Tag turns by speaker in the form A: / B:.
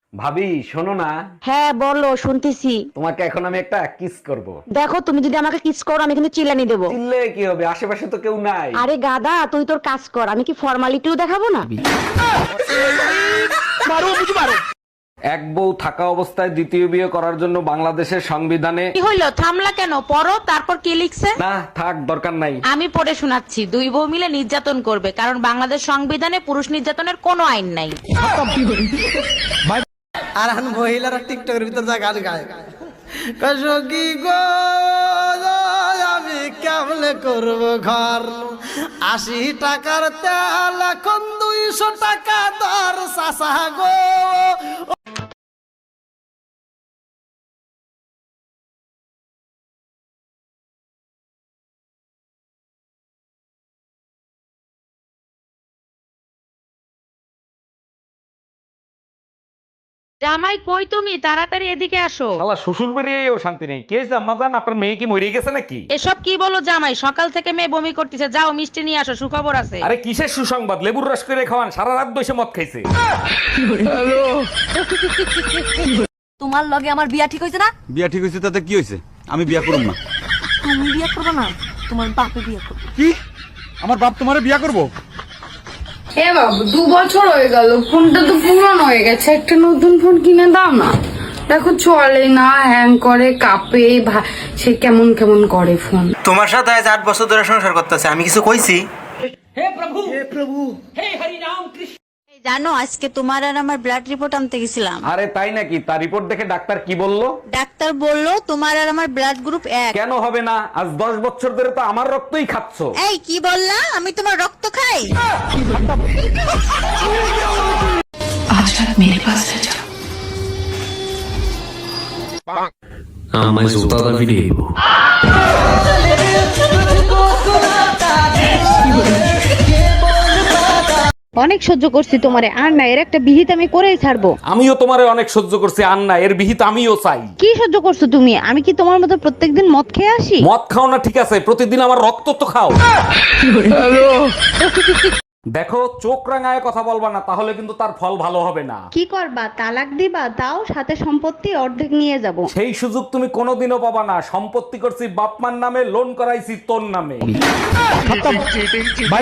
A: ভাবি শোনো না,
B: হ্যাঁ বলো, শুনতেছি।
A: তোমাকে এখন আমি একটা কিস করব।
B: দেখো, তুমি যদি আমাকে কিস করো আমি কিন্তু চিল্লানি দেবো।
A: চিল্লে কি হবে, আশেপাশে তো কেউ নাই।
B: আরে গাদা, তুই তোর কাজ কর, আমি কি ফর্মালিটিও দেখাবো না?
A: এক বউ থাকা অবস্থায় দ্বিতীয় বিয়ে করার জন্য বাংলাদেশের সংবিধানে
C: কি হইলো, থামলা কেন? পড়ো, তারপর কি লিখছে?
A: না থাক, দরকার নাই।
C: আমি পড়ে শোনাচ্ছি। দুই বউ মিলে নির্যাতন করবে, কারণ বাংলাদেশ সংবিধানে পুরুষ নির্যাতনের কোনো আইন নাই।
D: আর এখন মহিলারা টিকটকের ভিতর যা গান গায়, সখী গো আমি কেমনে করব ঘর, 80 টাকার তেল এখন 200 টাকা দর, চাচা গো।
C: জামাই কই তুমি? তাড়াতাড়ি এদিকে আসো।
A: শালা শ্বশুর বাড়িয়েও শান্তি নেই। কে জাম্মা জান, আপনার মেয়ে কি মরে গেছে নাকি?
C: এসব কি বলো জামাই? সকাল থেকে মেয়ে বমি করতেছে, যাও মিষ্টি নিয়ে আসো, সুখবর আছে।
A: আরে কিসের সুসংবাদ, লেবুর রস করে খাওয়ান, সারা রাত বসে মদ খাইছে।
E: তোমার লগে আমার বিয়া ঠিক হয়েছে না?
F: বিয়া ঠিক হয়েছে তাতে কি হয়েছে? আমি বিয়া করব না।
E: তুমি বিয়া করবে না, তোমার বাপে বিয়া করবে।
F: কি? আমার বাপ তোমারে বিয়া করব?
G: হে বাবু, 2 বছর হয়ে গেল, ফোনটা তো পুরানো হয়ে গেছে, একটা নতুন ফোন কিনে দাও না। দেখো চলে না, হ্যাং করে, কাঁপে, সে কেমন কেমন করে ফোন।
D: তোমার সাথে আজ 8 বছর ধরে সংসার করতেছে, আমি কিছু কইছি?
E: এই জানো, আজকে তোমার আর আমার ব্লাড রিপোর্ট আনতে গেছিলাম।
A: আরে তাই নাকি? তার রিপোর্ট দেখে ডাক্তার কি বললো?
E: ডাক্তার বললো তোমার আর আমার ব্লাড গ্রুপ 1।
A: কেন হবে না? আজ 10 বছর ধরে তো আমার রক্তই খাচ্ছ।
E: এই কি বললা? আমি তোমার রক্ত খাই?
H: mais voltado a video.
B: অনেক সহ্য করছি তোমারে, আর না, এর একটা বিহিত আমি করেই ছাড়বো।
A: আমিও তোমারে অনেক সহ্য করছি, আন্না এর বিহিত আমিও চাই।
B: কি সহ্য করছো তুমি? আমি কি তোমার মতো প্রত্যেকদিন মদ খেয়ে আসি?
A: মদ খাও না ঠিক আছে, প্রতিদিন আমার রক্ত তো খাও। দেখো, চোখ রাঙায় কথা বলবা না, তাহলে কিন্তু তার ফল ভালো হবে না।
B: কি করবা, তালাক দিবা? তাও সাথে সম্পত্তি অর্ধেক নিয়ে যাব।
A: সেই সুযোগ তুমি কোনোদিনও পাবা না। সম্পত্তি করছি বাপমার নামে, লোন করাইছি তোর নামে।